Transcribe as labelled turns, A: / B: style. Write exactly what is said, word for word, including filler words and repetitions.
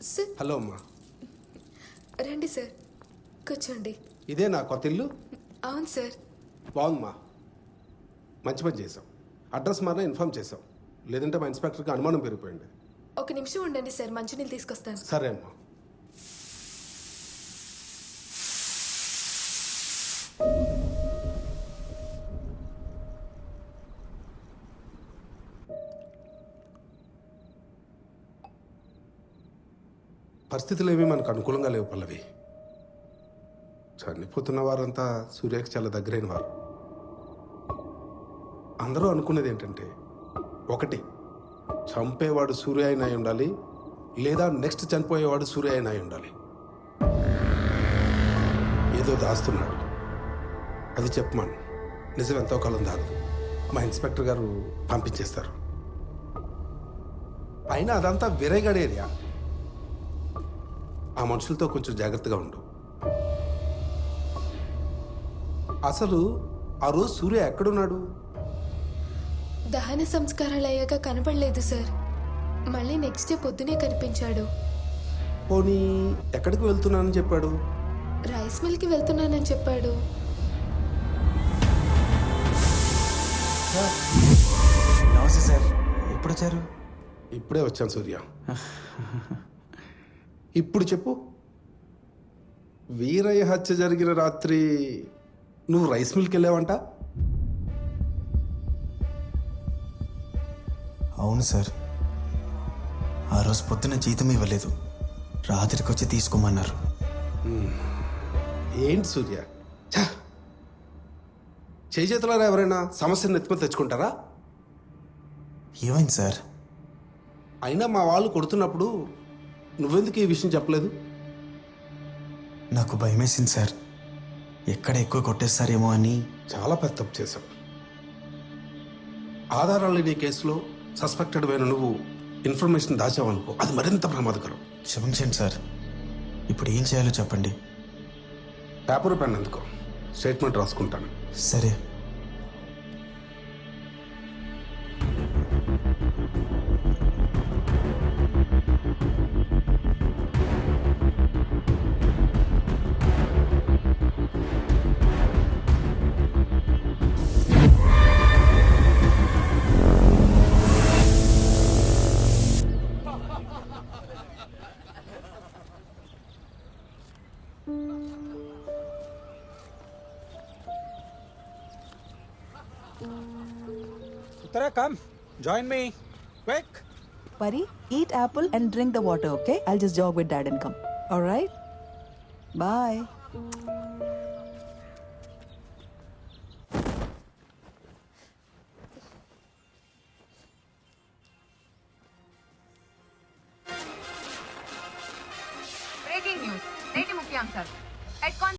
A: Sir
B: hello అమ్మా.
A: రండి sir, కూర్చోండి.
B: ఇదే నా కొత్త ఇల్లు.
A: అవును సార్.
B: బాగుందమ్మా, మంచి పని చేసాం. అడ్రస్ మాత్రం ఇన్ఫామ్ చేసాం, లేదంటే మా ఇన్స్పెక్టర్కి అనుమానం పెరిగిపోయింది.
A: ఒక నిమిషం ఉండండి సార్, మంచినీళ్ళు తీసుకొస్తాను.
B: సరే అమ్మా. పరిస్థితులు ఏమీ మనకు అనుకూలంగా లేవు పల్లవి. చనిపోతున్న వారంతా సూర్యకి చాలా దగ్గరైన వారు. అందరూ అనుకునేది ఏంటంటే, ఒకటి చంపేవాడు సూర్య అయినా అయి ఉండాలి, లేదా నెక్స్ట్ చనిపోయేవాడు సూర్య అయినా అయి ఉండాలి. ఏదో దాస్తున్నాడు, అది చెప్పమాను. నిజం ఎంతో కాలం దాగదు. మా ఇన్స్పెక్టర్ గారు పంపించేస్తారు. అయినా అదంతా విరైగడ ఏరియా. ఆ మనుషులతో కొంచెం జాగ్రత్తగా ఉండు. అసలు ఆ రోజు సూర్య ఎక్కడున్నాడు?
A: దహన సంస్కారాలు అయ్యాక కనపడలేదు సార్. మళ్ళీ నెక్స్ట్ డే పొద్దునే కనిపించాడు.
B: పోనీ ఎక్కడికి వెళ్తున్నానని చెప్పాడు?
A: రైస్ మిల్కి వెళ్తున్నానని చెప్పాడు.
C: నమస్తే సార్, ఎప్పుడు వచ్చారు?
B: ఇప్పుడే వచ్చాను సూర్య. ఇప్పుడు చెప్పు, వీరయ్య హత్య జరిగిన రాత్రి నువ్వు రైస్ మిల్కి వెళ్ళావంట?
C: అవును సార్, ఆ రోజు పొద్దున జీతం ఇవ్వలేదు, రాత్రికి వచ్చి తీసుకోమన్నారు.
B: ఏంటి సూర్య, ఛ! చేయి చేతులారా ఎవరైనా సమస్యను ఎత్తుకొని తెచ్చుకుంటారా?
C: ఏమైంది సార్?
B: అయినా మా వాళ్ళు కొడుతున్నప్పుడు నువ్వెందుకు ఈ విషయం చెప్పలేదు?
C: నాకు భయమేసింది సార్, ఎక్కడ ఎక్కువ కొట్టేస్తారేమో అని.
B: చాలా పెద్ద తప్పు చేశావు. ఆధారాలు లేని కేసులో సస్పెక్టెడ్ అయిన నువ్వు ఇన్ఫర్మేషన్ దాచావనుకో, అది మరింత ప్రమాదకరం.
C: క్షమించండి సార్, ఇప్పుడు ఏం చేయాలో చెప్పండి.
B: పేపర్ పెన్ ఎందుకో, స్టేట్మెంట్ రాసుకుంటాను.
C: సరే.
D: Uttara, come. Join me. Quick.
E: Pari, eat apple and drink the water, okay? I'll just jog with dad and come. All right? Bye.
F: Breaking news, నేటి ముఖ్యాంశాలు. హెడ్ కాన్